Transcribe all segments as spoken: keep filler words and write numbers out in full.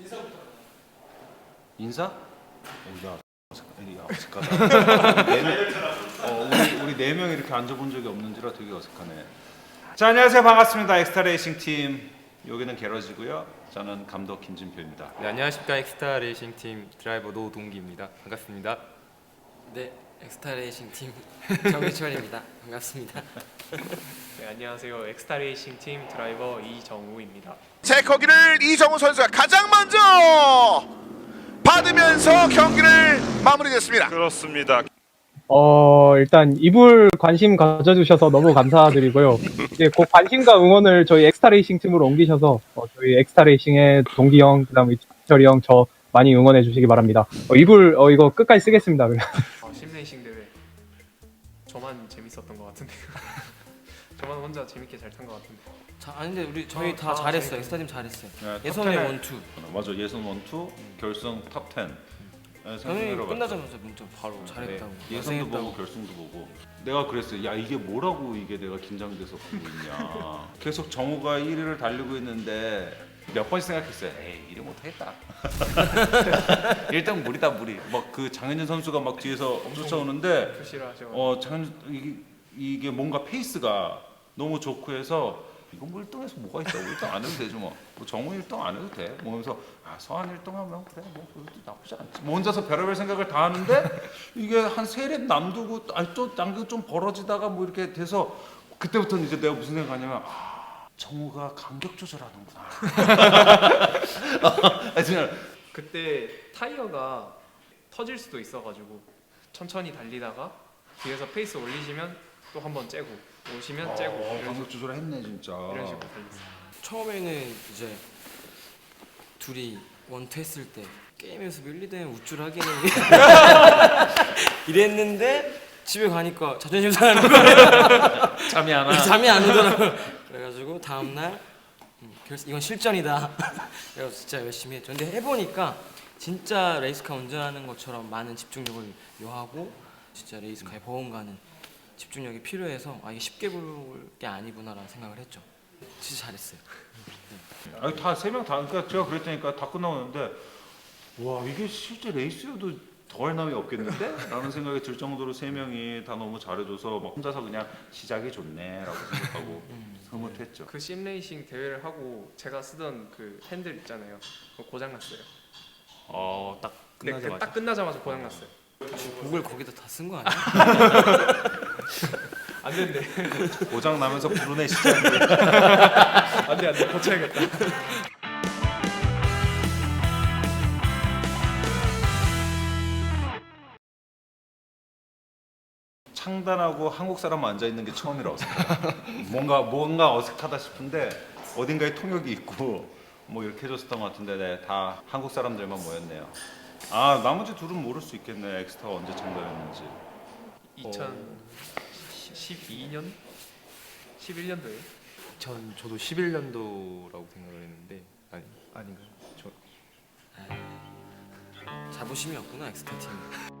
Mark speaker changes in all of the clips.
Speaker 1: 인사? 오, 야, 야 어색하다. 네 명, 어, 우리 우리 네 명 이렇게 앉아본 적이 없는지라 되게 어색하네. 자, 안녕하세요, 반갑습니다. 엑스타 레이싱 팀 여기는 게러지고요. 저는 감독 김진표입니다.
Speaker 2: 네, 안녕하십니까. 엑스타 레이싱 팀 드라이버 노동기입니다. 반갑습니다.
Speaker 3: 네, 엑스타 레이싱 팀 정희철입니다. 반갑습니다.
Speaker 4: 네, 안녕하세요. 엑스타 레이싱 팀 드라이버 이정우입니다.
Speaker 5: 체커기를 이정우 선수가 가장 먼저 받으면서 경기를 마무리됐습니다.
Speaker 6: 그렇습니다.
Speaker 7: 어 일단 이불 관심 가져주셔서 너무 감사드리고요. 이제 그 관심과 응원을 저희 엑스타 레이싱 팀으로 옮기셔서 어, 저희 엑스타 레이싱의 동기 형, 그다음에 철이 형, 저 많이 응원해 주시기 바랍니다. 어, 이불 어, 이거 끝까지 쓰겠습니다. 그냥.
Speaker 4: 어, 심레이싱 대회 저만 재밌었던 것 같은데요. 저만 혼자 재밌게 잘 탄 것 같은데.
Speaker 3: 자, 아니 근데 우리 저희
Speaker 4: 어,
Speaker 3: 다
Speaker 4: 아,
Speaker 3: 잘했어요.
Speaker 4: 저희
Speaker 3: 엑스타 팀 잘했어요.
Speaker 1: 네,
Speaker 3: 예선의
Speaker 1: 탑 텐에
Speaker 3: 원투.
Speaker 1: 맞아, 예선 원투 결승 탑 텐. 네,
Speaker 3: 저희
Speaker 1: 생각해봤죠.
Speaker 3: 끝나자마자 문자 바로 잘했다고.
Speaker 1: 네, 예선도 보고 결승도 보고. 내가 그랬어요. 야, 이게 뭐라고 이게 내가 긴장돼서 보고 있냐. 계속 정우가 일 위를 달리고 있는데 몇 번씩 생각했어요. 에이, 이래 못하겠다. 일단 무리다 무리. 막 그 장현준 선수가 막 뒤에서 쫓아오는데
Speaker 4: 표시를
Speaker 1: 어 장현 이게, 이게 뭔가 페이스가 너무 좋고 해서 이건 뭐 일 등에서 뭐가 있다고 일 등 안 해도 되죠 뭐. 뭐 정우 일 등 안 해도 돼. 뭐 하면서 아 서한 일 등 하면 그래 뭐 그것도 나쁘지 않지. 뭐 혼자서 별의별 생각을 다 하는데 이게 한 세 랩 남두고 아니 또 남도 좀 벌어지다가 뭐 이렇게 돼서 그때부터는 이제 내가 무슨 생각하냐면 아 정우가 간격 조절하는구나. 아, 진짜.
Speaker 4: 그때 타이어가 터질 수도 있어가지고 천천히 달리다가 뒤에서 페이스 올리시면 또 한 번 째고 오시면 째고
Speaker 1: 어,
Speaker 4: 이런,
Speaker 1: 간격 조절 했네 진짜.
Speaker 4: 이런 식으로 달렸어요.
Speaker 3: 처음에는 이제 둘이 원투 했을 때 게임에서 밀리든 우쭐하기는 이랬는데 집에 가니까 자존심 상하는 거예요.
Speaker 1: 잠이 안 와.
Speaker 3: 잠이 안 오더라고요. 그래가지고 다음날 음, 결- 이건 실전이다. 그래서 진짜 열심히 했죠. 근데 해보니까 진짜 레이스카 운전하는 것처럼 많은 집중력을 요하고 진짜 레이스카의 보험가는 집중력이 필요해서 아 이게 쉽게 볼 게 아니구나라는 생각을 했죠. 진짜 잘했어요.
Speaker 1: 아니 다 세 명 다 그러니까 제가 그랬다니까 다 끝나오는데 와 이게 실제 레이스여도 더할 나위 없겠는데? 라는 생각이 들 정도로 세 명이 다 너무 잘해줘서 막 혼자서 그냥 시작이 좋네라고 생각하고 흐뭇했죠.
Speaker 4: 그 심레이싱 대회를 하고 제가 쓰던 그 핸들 있잖아요. 그거 고장났어요.
Speaker 2: 어, 딱
Speaker 4: 네, 그
Speaker 2: 끝나자마자.
Speaker 4: 딱 끝나자마자 고장났어요.
Speaker 3: 목을 거기다 다 쓴 거 아니야?
Speaker 4: 안 된대.
Speaker 1: 고장 나면서 부르네 시작이.
Speaker 4: 안돼 안돼 고쳐야겠다.
Speaker 1: 창단하고 한국 사람 앉아 있는 게 처음이라 어색해. 뭔가 뭔가 어색하다 싶은데 어딘가에 통역이 있고 뭐 이렇게 해줬었던 것 같은데 네, 다 한국 사람들만 모였네요. 아 나머지 둘은 모를 수 있겠네. 엑스타가 언제 창단했는지.
Speaker 4: 이천십이 년? 십일 년도에
Speaker 2: 전 저도 십일 년도라고 생각을 했는데 아니 아닌가요? 저
Speaker 3: 자부심이 없구나 엑스타 팀.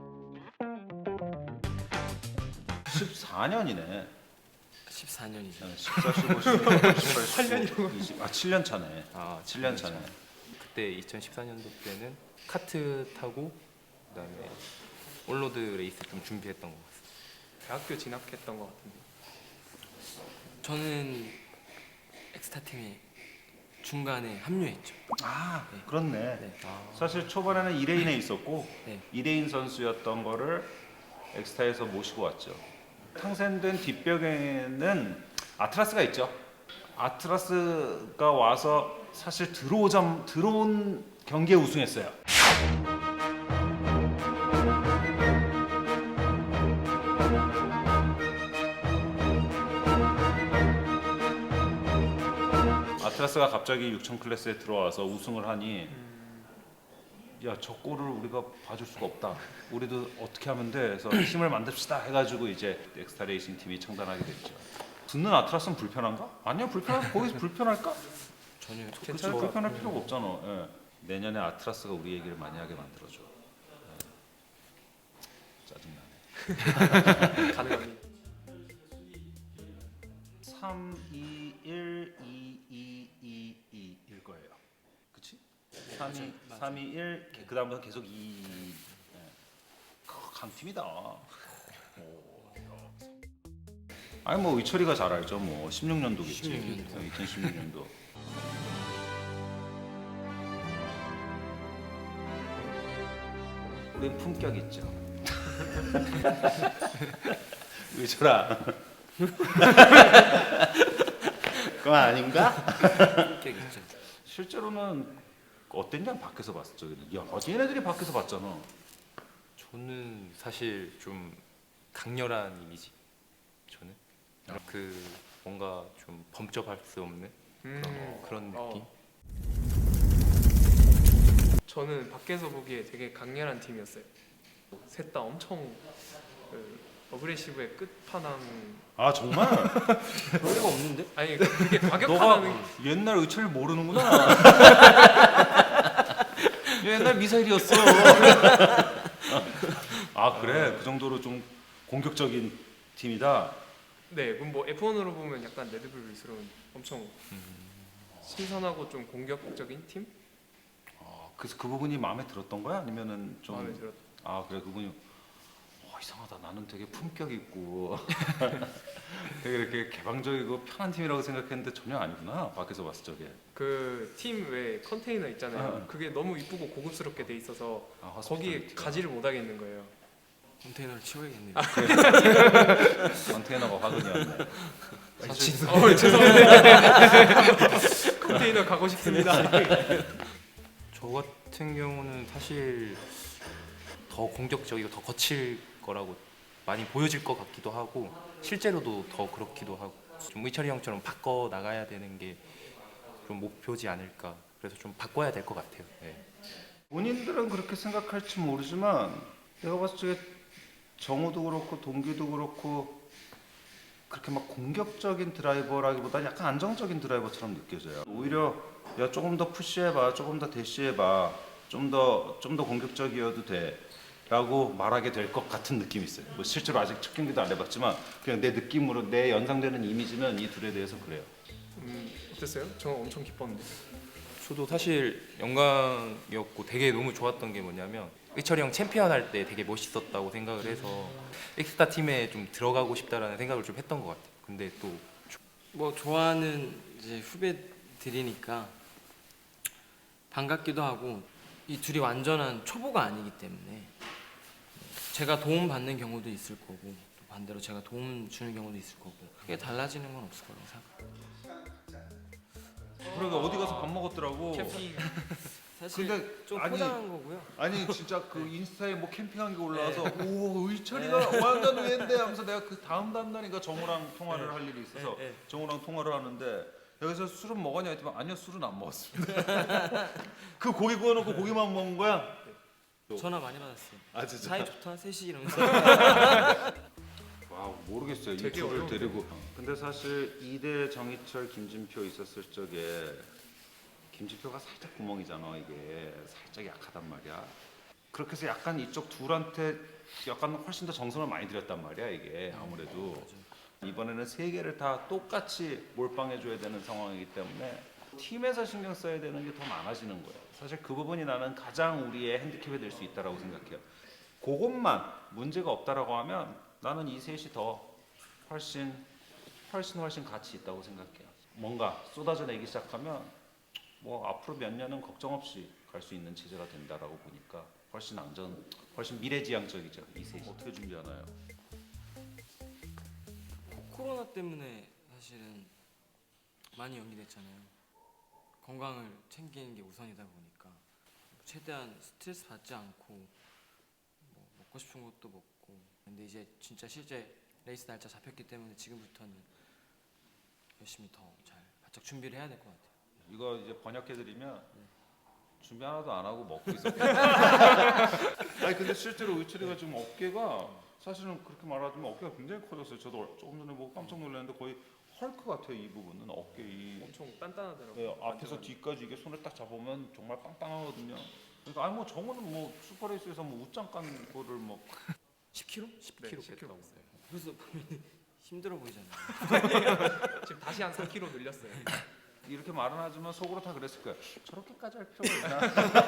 Speaker 1: 십사 년이네.
Speaker 3: 십사 년이죠.
Speaker 1: 십사, 십오, 십육, 십팔, 십구, 이십. 아 칠 년 차네.
Speaker 2: 아,
Speaker 1: 칠 년 차네.
Speaker 2: 그때 이천십사 년도 때는 카트 타고 그다음에 올로드 레이스 좀 준비했던 것 같습니다.
Speaker 4: 대학교 진학했던 것 같은데.
Speaker 3: 저는 엑스타 팀에 중간에 합류했죠.
Speaker 1: 아
Speaker 3: 네.
Speaker 1: 그렇네.
Speaker 3: 네.
Speaker 1: 사실 초반에는 이 레인에 있었고
Speaker 3: 네.
Speaker 1: 이 레인 선수였던 거를 엑스타에서 모시고 왔죠. 탕생된 뒷벽에는 아트라스가 있죠. 아트라스가 와서 사실 들어오자 들어온 경기에 우승했어요. 아트라스가 갑자기 육천 클래스에 들어와서 우승을 하니 야, 저 골을 우리가 봐줄 수가 없다. 우리도 어떻게 하면 돼? 해서 팀을 만듭시다 해가지고 이제 엑스타 레이싱 팀이 창단하게 됐죠. 듣는 아트라스는 불편한가? 아니요, 불편할 거기서 불편할까?
Speaker 3: 전혀
Speaker 1: 그렇죠. 불편할 필요가 없잖아. 예. 내년에 아트라스가 우리 얘기를 많이 하게 만들어줘. 예. 짜증나네.
Speaker 4: 가능합니다.
Speaker 1: 삼, 이, 일, 이, 이, 이, 이일 거예요. 그치? 삼 위, 삼 위, 일, 그 다음부터 계속 이. 네. 강팀이다. 오. 아니 뭐 의철이가 잘 알죠. 뭐 십육 년도겠지.
Speaker 3: 십육 년도.
Speaker 1: 이천십육 년도. 우린 품격 있죠. 의철아. 그건 아닌가?
Speaker 3: 품격 있죠.
Speaker 1: 실제로는 어땠냐 밖에서 봤을 적에는. 야, 얘네들이 밖에서 봤잖아.
Speaker 2: 저는 사실 좀 강렬한 이미지. 저는 그 뭔가 좀 범접할 수 없는
Speaker 4: 음,
Speaker 2: 그런 느낌.
Speaker 4: 어. 저는 밖에서 보기에 되게 강렬한 팀이었어요. 셋 다 엄청 그 어그레시브의 끝판왕.
Speaker 1: 아 정말?
Speaker 3: 그럴 리가 없는데?
Speaker 4: 아니 그게
Speaker 1: 너가
Speaker 4: 과격하다는
Speaker 1: 옛날 의철을 모르는구나. 옛날 미사일이었어. 아 그래? 그 정도로 좀 공격적인 팀이다.
Speaker 4: 네, 그럼 뭐 에프원으로 보면 약간 레드불스러운 엄청 신선하고 좀 공격적인 팀?
Speaker 1: 어, 그래서 그 부분이 마음에 들었던 거야? 아니면은 좀
Speaker 4: 마음에 들었.
Speaker 1: 아 그래 그분이 어, 이상하다 나는 되게 품격 있고 되게 이렇게 개방적이고 편한 팀이라고 생각했는데 전혀 아니구나 밖에서 봤을 적에.
Speaker 4: 그팀 외 컨테이너 있잖아요.
Speaker 1: 아.
Speaker 4: 그게 너무 이쁘고 고급스럽게 돼 있어서
Speaker 1: 아,
Speaker 4: 거기에
Speaker 1: 호스피탈리티가.
Speaker 4: 가지를 못 하겠는 거예요.
Speaker 3: 컨테이너를 치워야겠네요.
Speaker 1: 컨테이너가 화근이었네.
Speaker 4: 사실 어, 죄송합니다. 컨테이너 가고 싶습니다.
Speaker 2: 저 같은 경우는 사실 더 공격적이고 더 거칠 거라고 많이 보여질 것 같기도 하고 실제로도 더 그렇기도 하고 좀 의철이 형처럼 바꿔 나가야 되는 게 좀 목표지 않을까. 그래서 좀 바꿔야 될 것 같아요. 네.
Speaker 1: 본인들은 그렇게 생각할지 모르지만 내가 봤을 적에 정우도 그렇고 동기도 그렇고 그렇게 막 공격적인 드라이버라기보다는 약간 안정적인 드라이버처럼 느껴져요. 오히려 야 조금 더 푸시해봐, 조금 더 대시해봐, 좀 더 좀 더 공격적이어도 돼라고 말하게 될 것 같은 느낌이 있어요. 뭐 실제로 아직 첫 경기도 안 해봤지만 그냥 내 느낌으로 내 연상되는 이미지는 이 둘에 대해서 그래요.
Speaker 4: 음, 어땠어요? 저 엄청 기뻤는데.
Speaker 2: 저도 사실 영광이었고 되게 너무 좋았던 게 뭐냐면 의철이 형 챔피언 할 때 되게 멋있었다고 생각을 해서 엑스타 팀에 좀 들어가고 싶다라는 생각을 좀 했던 것 같아요. 근데 또
Speaker 3: 뭐 좋아하는 이제 후배들이니까 반갑기도 하고 이 둘이 완전한 초보가 아니기 때문에 제가 도움 받는 경우도 있을 거고 또 반대로 제가 도움 주는 경우도 있을 거고 그게 달라지는 건 없을 거라고 생각해요.
Speaker 1: 그러니까 어디 가서 밥 먹었더라고.
Speaker 4: 캠핑
Speaker 3: 사실
Speaker 1: 근데
Speaker 3: 좀
Speaker 1: 아니,
Speaker 3: 포장한 거고요.
Speaker 1: 아니 진짜 그 인스타에 뭐 캠핑한 게 올라와서 오 의철이가 완전 의외인데 하면서 내가 그 다음 다음날인가 정우랑 통화를 할 일이 있어서
Speaker 3: 네, 네.
Speaker 1: 정우랑 통화를 하는데 여기서 술은 먹었냐 했더니 아니요 술은 안 먹었습니다. 그 고기 구워놓고 고기만 먹은 거야?
Speaker 3: 전화 많이 받았어요.
Speaker 1: 아 진짜?
Speaker 3: 사이 좋다 셋이 이러면서.
Speaker 1: 와 모르겠어요 이
Speaker 4: 되게
Speaker 1: 둘을
Speaker 4: 어려운데.
Speaker 1: 데리고. 근데 사실 이대 정희철 김진표 있었을 적에 김진표가 살짝 구멍이잖아. 이게 살짝 약하단 말이야. 그렇게 해서 약간 이쪽 둘한테 약간 훨씬 더 정성을 많이 들였단 말이야 이게 아무래도. 이번에는 세 개를 다 똑같이 몰빵해줘야 되는 상황이기 때문에 팀에서 신경 써야 되는 게 더 많아지는 거예요. 사실 그 부분이 나는 가장 우리의 핸디캡이 될 수 있다고 생각해요. 그것만 문제가 없다라고 하면 나는 이 셋이 더 훨씬 훨씬 훨씬 가치 있다고 생각해요. 뭔가 쏟아져 내기 시작하면 뭐 앞으로 몇 년은 걱정 없이 갈 수 있는 체제가 된다라고 보니까 훨씬 안전, 훨씬 미래지향적이죠. 이 셋이 어떻게 준비하나요?
Speaker 3: 코로나 때문에 사실은 많이 연기됐잖아요. 건강을 챙기는 게 우선이다 보니까 최대한 스트레스 받지 않고 뭐 먹고 싶은 것도 먹고. 근데 이제 진짜 실제 레이스 날짜 잡혔기 때문에 지금부터는 열심히 더 잘 바짝 준비를 해야 될 것 같아요.
Speaker 1: 이거 이제 번역해드리면 준비 하나도 안 하고 먹고 있었고. 아니 근데 실제로 의철이가 지금 어깨가 사실은 그렇게 말하자면 어깨가 굉장히 커졌어요. 저도 조금 전에 보고 깜짝 놀랐는데 거의 헐크 같아요. 이 부분은 어깨 이
Speaker 4: 엄청 단단하더라고요.
Speaker 1: 네, 앞에서 뒤까지 이게 손을 딱 잡으면 정말 빵빵하거든요. 그러니까 아니 뭐 정우는 뭐 슈퍼레이스에서 뭐 웃장 깐 거를 뭐
Speaker 3: 십 킬로그램?
Speaker 2: 십
Speaker 4: 네,
Speaker 2: 킬로그램
Speaker 4: 십 킬로그램.
Speaker 2: 뺐다고.
Speaker 3: 그래서 보면 힘들어 보이잖아요.
Speaker 4: 지금 다시 한 삼 킬로그램 늘렸어요.
Speaker 1: 이렇게 말은 하지만 속으로 다 그랬을 거야. 저렇게까지 할 필요가 있나?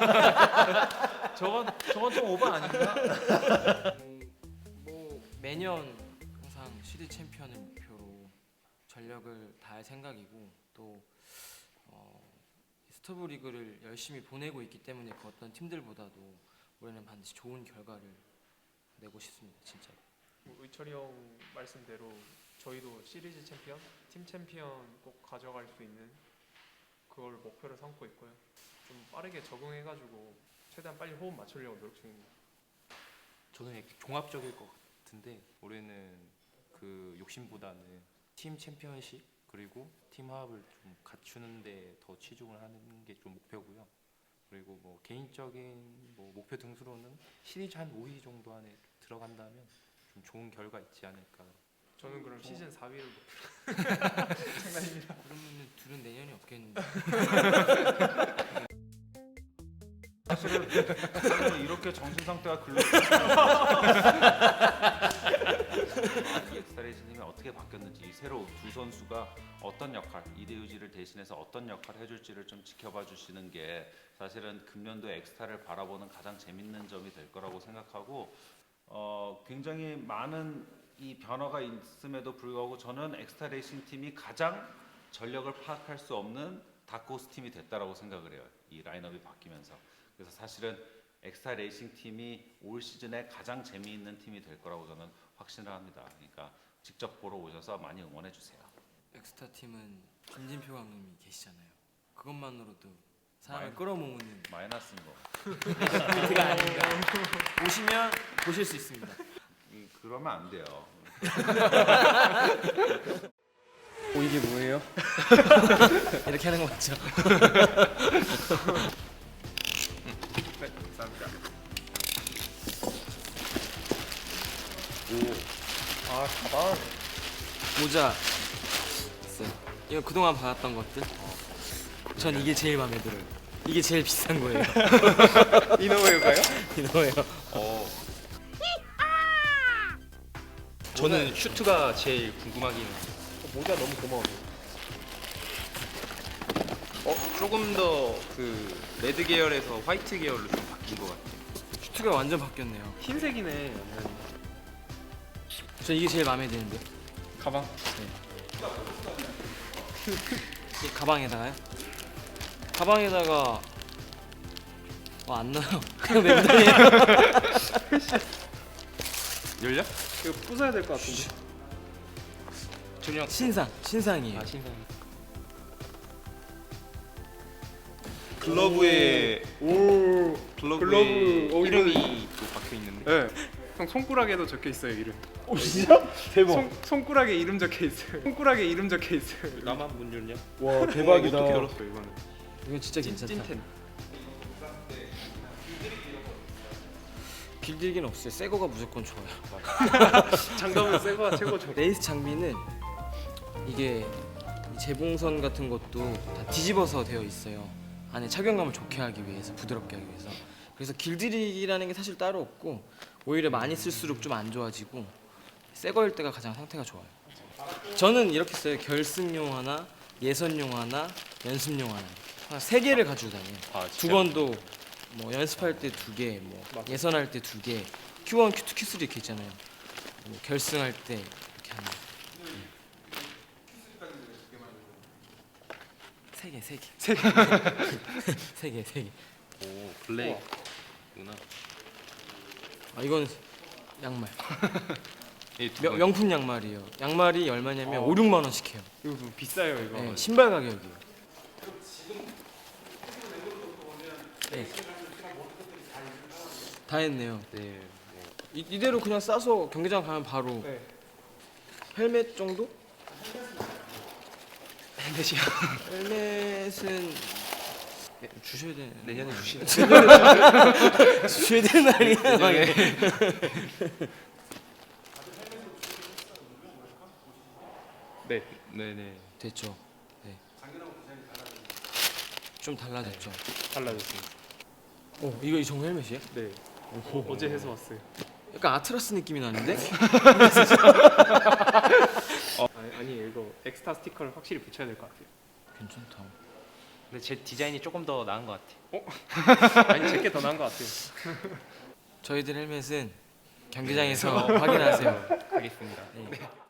Speaker 4: 저건 저건 좀 오버 아닌가?
Speaker 3: 음, 뭐 매년 항상 시드 챔피언을 목표로 전력을 다할 생각이고 또 어, 스토브 리그를 열심히 보내고 있기 때문에 그 어떤 팀들보다도 올해는 반드시 좋은 결과를 내고 싶습니다. 진짜.
Speaker 4: 뭐 의철이 형 말씀대로 저희도 시리즈 챔피언, 팀 챔피언 꼭 가져갈 수 있는 그걸 목표로 삼고 있고요. 좀 빠르게 적응해가지고 최대한 빨리 호흡 맞추려고 노력 중입니다.
Speaker 2: 저는 이렇게 종합적일 것 같은데 올해는 그 욕심보다는 팀 챔피언십 그리고 팀 화합을 좀 갖추는데 더 치중을 하는 게 좀 목표고요. 그리고 뭐 개인적인 뭐 목표 등수로는 시리즈 한 오 위 정도 안에 들어간다면 좀 좋은 결과 있지 않을까.
Speaker 4: 저는 그럼 시즌 사 위를 목표로.
Speaker 3: 그러면은 둘은 내년이 없겠는데.
Speaker 1: 사실은 사실은 이렇게 정신 상태가 글로 엑스타레이스님이 어떻게 바뀌었는지 새로 두 선수가 어떤 역할 이대유지를 대신해서 어떤 역할을 해줄지를 좀 지켜봐 주시는 게 사실은 금년도 엑스타를 바라보는 가장 재밌는 점이 될 거라고 생각하고 어, 굉장히 많은 이 변화가 있음에도 불구하고 저는 엑스타 레이싱 팀이 가장 전력을 파악할 수 없는 다크호스 팀이 됐다라고 생각을 해요. 이 라인업이 바뀌면서. 그래서 사실은 엑스타 레이싱 팀이 올 시즌에 가장 재미있는 팀이 될 거라고 저는 확신을 합니다. 그러니까 직접 보러 오셔서 많이 응원해 주세요.
Speaker 3: 엑스타 팀은 김진표 감독님이 계시잖아요. 그것만으로도 사람을
Speaker 1: 마이-
Speaker 3: 끌어모으는
Speaker 1: 마이너스인 거.
Speaker 3: 포인트가 아닌가. 보시면 보실 수 있습니다.
Speaker 1: 이- 그러면 안 돼요.
Speaker 3: 오 이게 뭐예요? 이렇게 하는 거 맞죠?
Speaker 4: 네, 감사합니다.
Speaker 3: 아 가방 모자 있어요. 이거 그동안 받았던 것들 전 이게 제일 마음에 들어요. 이게 제일 비싼 거예요.
Speaker 4: 이노웨어가요?
Speaker 3: 이거예요.
Speaker 2: 저는 슈트가 제일 궁금하긴 해요.
Speaker 4: 모자 너무 고마워요.
Speaker 2: 어, 조금 더 그 레드 계열에서 화이트 계열로 좀 바뀐 것 같아요.
Speaker 3: 슈트가 완전 바뀌었네요.
Speaker 4: 흰색이네. 완전.
Speaker 3: 전 이게 제일 마음에 드는데.
Speaker 4: 가방.
Speaker 3: 이 가방에다가요? 가방에다가 어, 안 나요. 그냥 랜덤이에요.
Speaker 2: 열려?
Speaker 4: 이거 부숴야 될 것 같은데.
Speaker 2: 전혀
Speaker 3: 신상, 신상이에요.
Speaker 2: 아 신상. 글러브에
Speaker 4: 오.
Speaker 2: 글러브에
Speaker 4: 글러브, 어,
Speaker 2: 이름이 또 박혀 있는데.
Speaker 4: 네. 형 손가락에도 적혀 있어요 이름.
Speaker 7: 오 진짜? 대박.
Speaker 4: 손 손가락에 이름 적혀 있어요. 손가락에 이름 적혀 있어요.
Speaker 2: 나만 문 열냐?
Speaker 7: 와 대박이다.
Speaker 2: 어떻게 열었어 이거는?
Speaker 3: 이건 진짜 괜찮다.
Speaker 4: 찐텐.
Speaker 3: 길들기는 없어요. 새 거가 무조건 좋아요.
Speaker 4: 장갑은 새거가 최고죠.
Speaker 3: 레이스 장비는 이게 이 재봉선 같은 것도 다 뒤집어서 되어 있어요. 안에 착용감을 좋게 하기 위해서, 부드럽게 하기 위해서. 그래서 길들이기라는 게 사실 따로 없고 오히려 많이 쓸수록 좀 안 좋아지고 새 거일 때가 가장 상태가 좋아요. 저는 이렇게 써요. 결승용 하나, 예선용 하나, 연습용 하나. 한 세 개를 가지고 다녀요.
Speaker 2: 아,
Speaker 3: 두 번도 뭐 연습할 때 두 개, 뭐 예선할 때 두 개, 큐 원, 큐 투, 큐 쓰리 이렇게 있잖아요. 뭐 결승할 때 이렇게 하는. 세 개, 세 개, 세 개, 세 개, 세 개.
Speaker 2: 오 블랙구나.
Speaker 3: 아 이건 양말.
Speaker 2: 이 두
Speaker 3: 명,
Speaker 2: 번.
Speaker 3: 명품 양말이에요. 양말이 얼마냐면 오, 육만 원씩 해요.
Speaker 4: 이거 뭐 비싸요 이거.
Speaker 3: 네, 신발 가격이에요. 네. 다 했네요.
Speaker 2: 네. 뭐.
Speaker 3: 이, 이대로 그냥 싸서 경기장 가면 바로
Speaker 4: 네.
Speaker 3: 헬멧 정도?
Speaker 4: 헬멧이요.
Speaker 3: 헬멧은 네, 주셔야 되는
Speaker 2: 내년에 주시는.
Speaker 3: 주셔야 되는 날이야. 막 이래.
Speaker 4: 네.
Speaker 2: 네네.
Speaker 3: 됐죠. 네. 좀 달라졌죠.
Speaker 4: 달라졌습니다.
Speaker 3: 오 이거 이 정도 헬멧이에요?
Speaker 4: 네. 오, 어제 해서 왔어요.
Speaker 3: 약간 아트라스 느낌이 나는데?
Speaker 4: 아니, 아니 이거 엑스타 스티커를 확실히 붙여야 될 것 같아요.
Speaker 3: 괜찮다.
Speaker 2: 근데 제 디자인이 조금 더 나은 것 같아요.
Speaker 4: 아니 제게 더 나은 것 같아요.
Speaker 3: 저희들 헬멧은 경기장에서 확인하세요.
Speaker 2: 하겠습니다.
Speaker 3: 네.